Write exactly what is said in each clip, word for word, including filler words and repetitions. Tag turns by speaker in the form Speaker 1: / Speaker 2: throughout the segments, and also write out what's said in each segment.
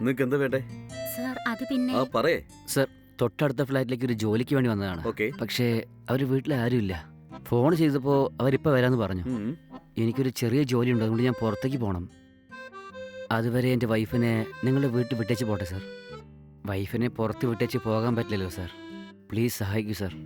Speaker 1: നിങ്ങൾക്ക് എന്താ വേണ്ടേ?
Speaker 2: സർ അത് പിന്നെ
Speaker 1: ആ പറയേ.
Speaker 3: സർ, തൊട്ടടുത്ത ഫ്ലാറ്റിലേക്ക് ഒരു ജോലിക്ക് വേണ്ടി വന്നതാണ്.
Speaker 1: ഓക്കെ.
Speaker 3: പക്ഷേ അവർ വീട്ടിൽ ആരുമില്ല. ഫോൺ ചെയ്തപ്പോൾ അവരിപ്പോൾ വരാമെന്ന് പറഞ്ഞു. എനിക്കൊരു ചെറിയ ജോലിയുണ്ട്, അതുകൊണ്ട് ഞാൻ പുറത്തേക്ക് പോകണം. അതുവരെ എൻ്റെ വൈഫിനെ നിങ്ങളുടെ വീട്ടിൽ വിട്ടേച്ച് പോട്ടെ സർ. വൈഫിനെ പുറത്ത് വിട്ടേച്ച് പോകാൻ പറ്റില്ലല്ലോ സർ. പ്ലീസ് സഹായിക്കൂ സർ.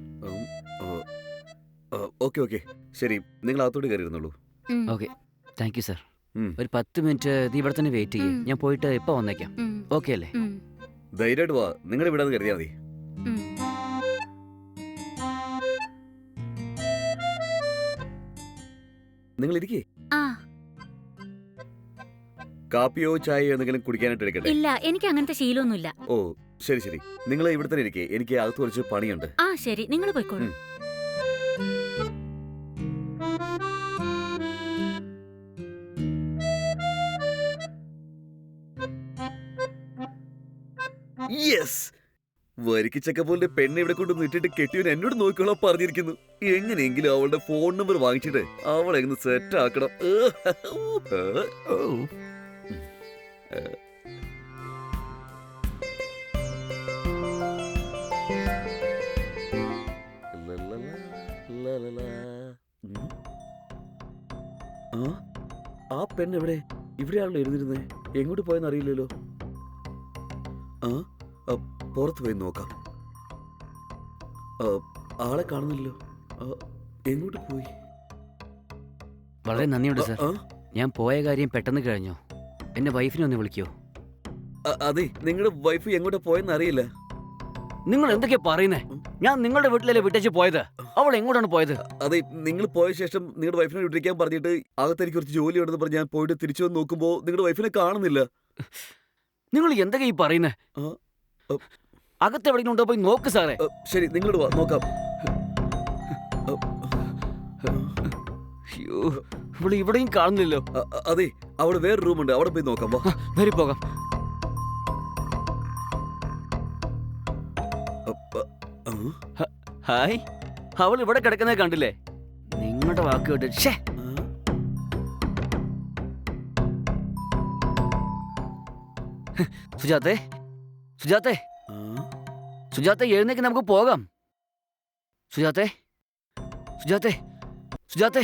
Speaker 1: ഓക്കെ ഓക്കെ ശരി, നിങ്ങൾ അകത്തോട്ട് കയറിയിരുന്നുള്ളൂ.
Speaker 3: Okay, thank you sir. ഒരു പത്ത് മിനിറ്റ് നീ ഇവിടെ തന്നെ വെയിറ്റ് ചെയ്യേ, ഞാൻ പോയിട്ട് ഇപ്പൊ വന്നേക്കാം. ഓക്കെ അല്ലേ?
Speaker 1: ധൈര്യമായിട്ട് വാ, നിങ്ങളുടെ വീടാന്ന് കരുതിയാൽ മതി. നിങ്ങൾ ഇരിക്കേ. കാപ്പിയോ ചായയോ എന്തെങ്കിലും കുടിക്കാനായിട്ട് എടുക്കട്ടെ?
Speaker 2: ഇല്ല, എനിക്ക് അങ്ങനത്തെ ശീലമൊന്നുമില്ല.
Speaker 1: ഓ ശരി ശരി, നിങ്ങൾ ഇവിടെ തന്നെ ഇരിക്കേ, എനിക്ക് അകത്ത് കുറച്ച് പണിയുണ്ട്.
Speaker 2: ആ ശരി, നിങ്ങൾ പോയിക്കോളൂ.
Speaker 1: യെസ്, വരിക്കിച്ചക്ക പോലെ പെണ്ണ് ഇവിടെ കൊണ്ടൊന്ന് ഇട്ടിട്ട് കെട്ടിയവൻ എന്നോട് നോക്കിക്കോളാൻ പറഞ്ഞിരിക്കുന്നു. എങ്ങനെയെങ്കിലും അവളുടെ ഫോൺ നമ്പർ വാങ്ങിച്ചിട്ട് അവളെ ഒന്ന് സെറ്റ് ആക്കണം. ആ പെണ്ണ് എവിടെ? ഇവിടെയാണല്ലോ ഇരുന്നിരുന്നേ, എങ്ങോട്ട് പോയെന്ന് അറിയില്ലല്ലോ. ആ പുറത്ത് പോയി നോക്കാം. ആളെ കാണുന്നില്ലല്ലോ, എങ്ങോട്ട് പോയി?
Speaker 3: വളരെ നന്ദിയുണ്ട് സർ. ഞാൻ പോയ കാര്യം പെട്ടെന്ന് കഴിഞ്ഞോ? എന്റെ വൈഫിനെ ഒന്ന് വിളിക്കോ?
Speaker 1: അതെ, നിങ്ങളുടെ വൈഫ് എങ്ങോട്ടാ പോയെന്ന് അറിയില്ല.
Speaker 3: നിങ്ങൾ എന്തൊക്കെയാ പറയുന്നേ? ഞാൻ നിങ്ങളുടെ വീട്ടിലല്ലേ വിട്ടേച്ച് പോയത്, അവൾ എങ്ങോട്ടാണ് പോയത്?
Speaker 1: അതെ, നിങ്ങൾ പോയ ശേഷം നിങ്ങളുടെ വൈഫിനെ വിട്ടിരിക്കാൻ പറഞ്ഞിട്ട് അകത്തേക്ക് കുറച്ച് ജോലി ഉണ്ടെന്ന് പറഞ്ഞ് ഞാൻ പോയിട്ട് തിരിച്ചു വന്ന് നോക്കുമ്പോ നിങ്ങളുടെ വൈഫിനെ കാണുന്നില്ല.
Speaker 3: നിങ്ങൾ എന്തൊക്കെയാ ഈ പറയുന്നേ? അകത്ത് എവിടെയെങ്കിലും ഉണ്ടോ പോയി നോക്ക് സാറേ.
Speaker 1: ശരി, നിങ്ങളോട് വാ, നോക്കാം.
Speaker 3: ഇവിടെ ഇവിടെയും കാണുന്നില്ലല്ലോ.
Speaker 1: അതെ, അവിടെ വേറെ റൂമുണ്ട്, അവിടെ പോയി നോക്കാം. വാ,
Speaker 3: വരി പോകാം. ഹായ്, അവൾ ഇവിടെ കിടക്കുന്നത് കണ്ടില്ലേ? നിങ്ങളുടെ വാക്ക് കേട്ട് സുജാത്തെ, സുജാത്തെ, സുജാത്തെ എഴുന്നേക്ക്, നമുക്ക് പോകാം. സുജാത്തെ, സുജാത്തെ, സുജാത്തെ.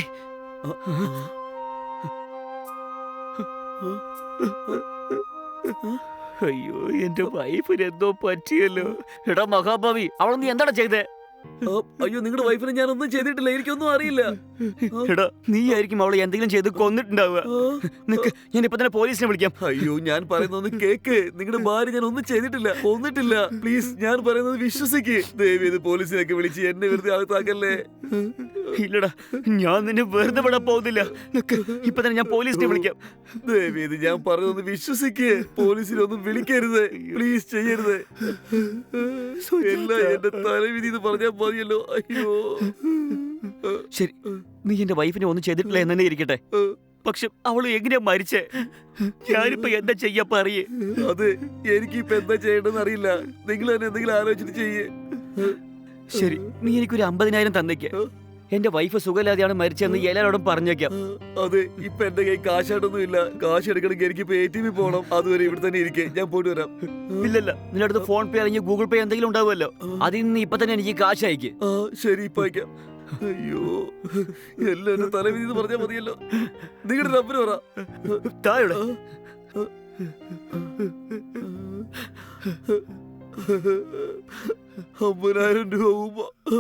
Speaker 3: അയ്യോ, എന്റെ വൈഫിന് എന്തോ പറ്റിയല്ലോ. എടാ മഹാഭാവി, അവൾ നീ എന്താണ് ചെയ്തേ?
Speaker 1: അയ്യോ, നിങ്ങളുടെ വൈഫിനെ ഞാനൊന്നും ചെയ്തിട്ടില്ല, എനിക്കൊന്നും അറിയില്ല.
Speaker 3: എടാ, നീ ആയിരിക്കും അവളെ എന്തെങ്കിലും ചെയ്ത് കൊന്നിട്ടുണ്ടാവുക. നിക്ക്, ഞാൻ ഇപ്പൊ തന്നെ പോലീസിനെ വിളിക്കാം.
Speaker 1: അയ്യോ, ഞാൻ പറയുന്നത് കേക്ക്. നിങ്ങളുടെ ഭാര്യ ഞാൻ ഒന്നും ചെയ്തിട്ടില്ല, കൊന്നിട്ടില്ല. പ്ലീസ്, ഞാൻ പറയുന്നത് വിശ്വസിക്ക്. ദയവേത് പോലീസിനൊക്കെ വിളിച്ച് എന്നെ വെറുതെ അകത്താക്കല്ലേ.
Speaker 3: ഇല്ലടാ, ഞാൻ നിന്നെ വെറുതെ വിടാൻ പോകുന്നില്ല. നിക്ക്, ഇപ്പൊ തന്നെ ഞാൻ പോലീസിനെ വിളിക്കാം.
Speaker 1: ദയവേത് ഞാൻ പറയുന്നത് വിശ്വസിക്ക്. പോലീസിനൊന്നും വിളിക്കരുത്, പ്ലീസ് ചെയ്യരുത്. എല്ലാം എന്റെ തലവിധി എന്ന് പറഞ്ഞാൽ മതിയല്ലോ. അയ്യോ
Speaker 3: ശരി, നീ എന്റെ വൈഫിനെ ഒന്നും ചെയ്തിട്ടില്ല എന്ന് തന്നെ ഇരിക്കട്ടെ. പക്ഷെ അവള് എങ്ങനെയാ മരിച്ചേ? ഞാനിപ്പോ എന്താ ചെയ്യാ പറയേ?
Speaker 1: അതെ, എനിക്കിപ്പോ എന്താ ചെയ്യേണ്ടെന്ന് അറിയില്ല. നിങ്ങൾ തന്നെ എന്തെങ്കിലും ആലോചിച്ചിട്ട് ചെയ്യേ.
Speaker 3: ശരി, നീ എനിക്കൊരു അമ്പതിനായിരം തന്നേക്ക്. എന്റെ വൈഫ് സുഖമില്ലാതെയാണ് മരിച്ചെന്ന് എല്ലാരോടും പറഞ്ഞേക്കാം.
Speaker 1: അതെ, ഇപ്പൊ എന്റെ കൈ കാശായിട്ടൊന്നും ഇല്ല. കാശ് എടുക്കണമെങ്കിൽ എനിക്ക് എ ടി എമ്മിൽ പോകണം. അതുവരെ ഇവിടെ തന്നെ ഇരിക്കേ, ഞാൻ പോയിട്ട് വരാം.
Speaker 3: ഇല്ലല്ല, നിന്റെ അടുത്ത് ഫോൺ പേ അല്ലെങ്കിൽ ഗൂഗിൾ പേ എന്തെങ്കിലും ഉണ്ടാവുമല്ലോ, അതിൽ നിന്ന് ഇപ്പൊ തന്നെ എനിക്ക് കാശ് അയക്ക്.
Speaker 1: ആ ശരി, ഇപ്പൊ അയക്കാം. അയ്യോ, എല്ലാം എന്റെ തലവിധി എന്ന് പറഞ്ഞാൽ മതിയല്ലോ. നിങ്ങളുടെ നമ്പർ പറ.
Speaker 3: താഴെ
Speaker 1: അമ്പതിനായിരം രൂപ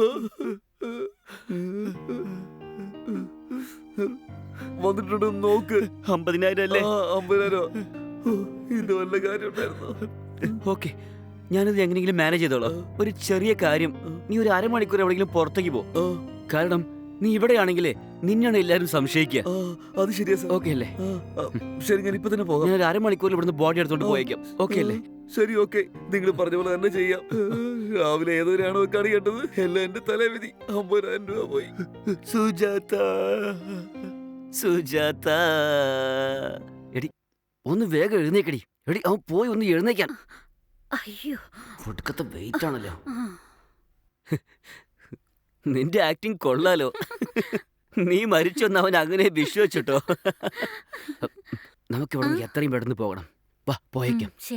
Speaker 1: വന്നിട്ടുണ്ടോ നോക്ക്.
Speaker 3: അമ്പതിനായിരം അല്ലേ?
Speaker 1: അമ്പതിനായിരം. ഇത് വല്ല കാര്യം ഉണ്ടായിരുന്നു.
Speaker 3: ഓക്കെ, ഞാനിത് എങ്ങനെയെങ്കിലും മാനേജ് ചെയ്തോളാം. ഒരു ചെറിയ കാര്യം, നീ ഒരു അരമണിക്കൂർ എവിടെയെങ്കിലും പുറത്തേക്ക് പോ. കാരണം നീ ഇവിടെയാണെങ്കിലേ നിന്നെയാണ് എല്ലാരും സംശയിക്കുക.
Speaker 1: അത് ശരിയാ സാർ.
Speaker 3: ഓക്കെ അല്ലേ?
Speaker 1: ശരി, ഞാൻ ഇപ്പൊ തന്നെ പോകാം.
Speaker 3: ഞാൻ ഒരു അരമണിക്കൂറിൽ ഇവിടുന്ന് ബോഡി എടുത്തോണ്ട് പോയേക്കാം. ഓക്കെ അല്ലേ?
Speaker 1: ശരി, ഓക്കെ, നിങ്ങൾ പറഞ്ഞ പോലെ തന്നെ ചെയ്യാം. രാവിലെ ഏതൊരാണോ കണി കണ്ടത്, എല്ലാം എന്റെ തലവിധി. അമ്പതിനായിരം രൂപ പോയി.
Speaker 3: സുജാത, സുജാത, എടി ഒന്ന് വേഗം എഴുന്നേക്കടി. എടി, അവൻ പോയി ഒന്ന് എഴുന്നേക്കാൻ.
Speaker 2: അയ്യോ,
Speaker 3: ഒടുക്കത്തെ വെയിറ്റ് ആണല്ലോ. നിന്റെ ആക്ടിങ് കൊള്ളാലോ. നീ മരിച്ചൊന്ന് അവൻ അങ്ങനെ വിശ്വസിച്ചിട്ടോ. നമുക്കിവിടെ എത്രയും പെട്ടെന്ന് പോകണം. വാ, പോയേക്കാം.